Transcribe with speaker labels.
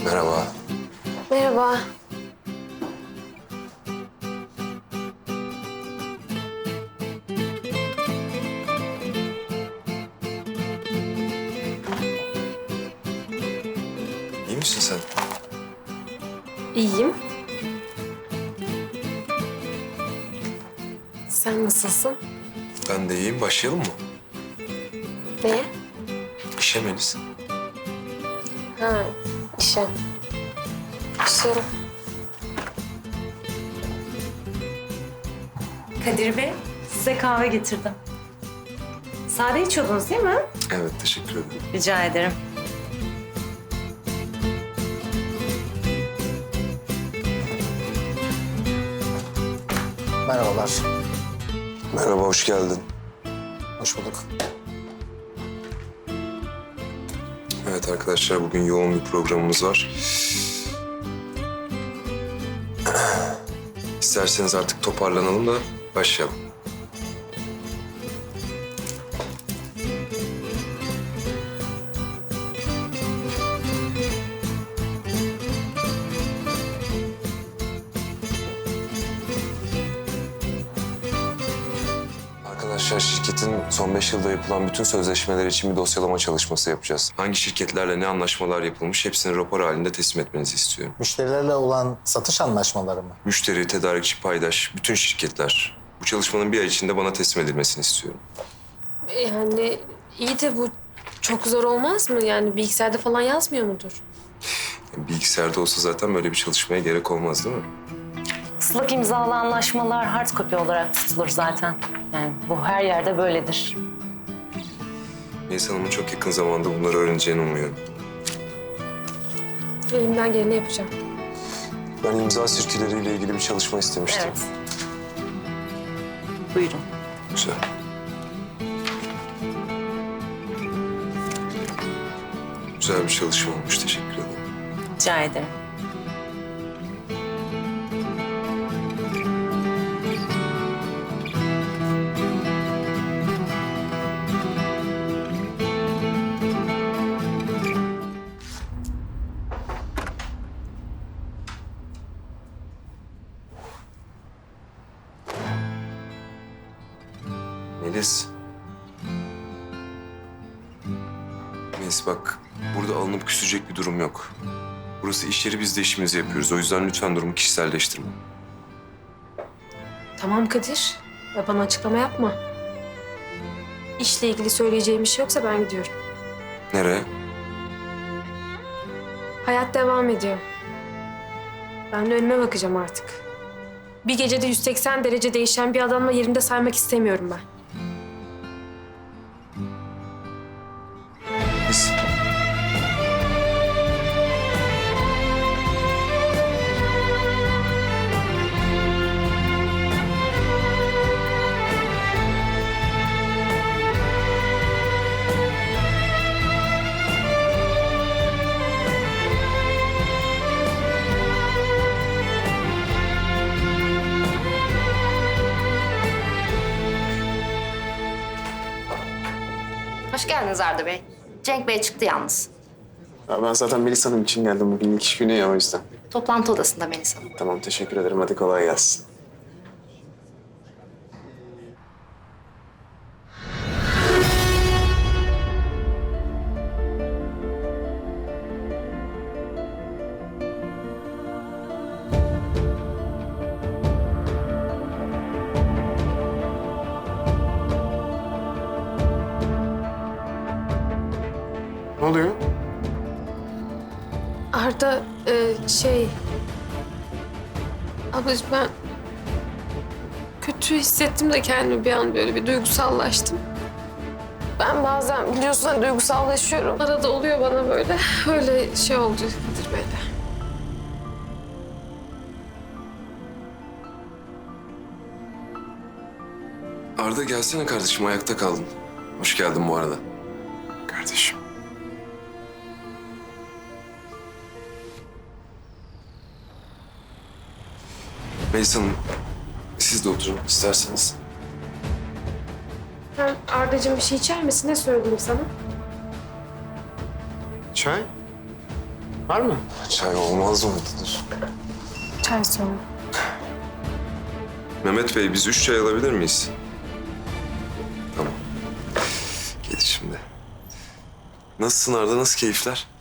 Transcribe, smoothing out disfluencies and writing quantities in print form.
Speaker 1: Merhaba.
Speaker 2: Merhaba.
Speaker 1: İyi misin sen?
Speaker 2: İyiyim. Sen nasılsın?
Speaker 1: Ben de iyiyim. Başlayalım mı?
Speaker 2: Neye?
Speaker 1: İşe Melis.
Speaker 2: Ha, işe. Başlayalım.
Speaker 3: Kadir Bey, size kahve getirdim. Sade içiyordunuz değil mi?
Speaker 1: Evet, teşekkür ederim.
Speaker 3: Rica ederim.
Speaker 4: Merhabalar.
Speaker 1: Merhaba, hoş geldin.
Speaker 4: Hoş bulduk.
Speaker 1: Evet arkadaşlar, bugün yoğun bir programımız var. İsterseniz artık toparlanalım da başlayalım. Arkadaşlar, şirketin son 5 yılda yapılan bütün sözleşmeler için bir dosyalama çalışması yapacağız. Hangi şirketlerle ne anlaşmalar yapılmış hepsini rapor halinde teslim etmenizi istiyorum.
Speaker 4: Müşterilerle olan satış anlaşmaları mı?
Speaker 1: Müşteri, tedarikçi, paydaş, bütün şirketler. Bu çalışmanın bir ay içinde bana teslim edilmesini istiyorum.
Speaker 2: Yani iyi de bu çok zor olmaz mı? Yani bilgisayarda falan yazmıyor mudur?
Speaker 1: Bilgisayarda olsa zaten böyle bir çalışmaya gerek olmaz değil mi?
Speaker 3: Islak imzalı anlaşmalar hard copy olarak tutulur zaten. Yani bu her yerde böyledir.
Speaker 1: Melis Hanım'ın çok yakın zamanda bunları öğreneceğini umuyorum.
Speaker 2: Elimden geleni yapacağım.
Speaker 1: Ben imza sirküleriyle ilgili bir çalışma istemiştim.
Speaker 3: Evet. Buyurun.
Speaker 1: Güzel. Güzel bir çalışma olmuş. Teşekkür ederim.
Speaker 3: Rica ederim.
Speaker 1: Melis. Melis bak, burada alınıp küsecek bir durum yok. Burası iş yeri, biz de işimizi yapıyoruz. O yüzden lütfen durumu kişiselleştirme.
Speaker 2: Tamam Kadir. Ya bana açıklama yapma. İşle ilgili söyleyeceğim bir şey yoksa ben gidiyorum.
Speaker 1: Nereye?
Speaker 2: Hayat devam ediyor. Ben de önüme bakacağım artık. Bir gecede 180 derece değişen bir adamla yerimde saymak istemiyorum ben.
Speaker 1: Melis.
Speaker 5: Hoş geldiniz Arda Bey. Cenk Bey çıktı yalnız.
Speaker 6: Ya ben zaten Melis Hanım için geldim. Bugün ilk iş günü ya, o yüzden.
Speaker 5: Toplantı odasında Melis Hanım.
Speaker 6: Tamam, teşekkür ederim. Hadi kolay gelsin. Ne oluyor?
Speaker 2: Arda ablacığım ben kötü hissettim de kendimi bir an böyle bir duygusallaştım. Ben bazen biliyorsun hani duygusallaşıyorum. Arada oluyor bana böyle. Öyle şey oldu Kadir Bey'le.
Speaker 1: Arda gelsene kardeşim, ayakta kaldın. Hoş geldin bu arada.
Speaker 6: Kardeşim.
Speaker 1: Melis Hanım, siz de oturun isterseniz.
Speaker 2: Sen Arda'cığım bir şey içer misin? Ne söyleyeyim sana?
Speaker 6: Çay? Var mı?
Speaker 1: Çay olmaz mı? Dur.
Speaker 2: Çay söyle.
Speaker 1: Mehmet Bey, biz 3 çay alabilir miyiz? Tamam. Gelir şimdi. Nasılsın Arda? Nasıl keyifler?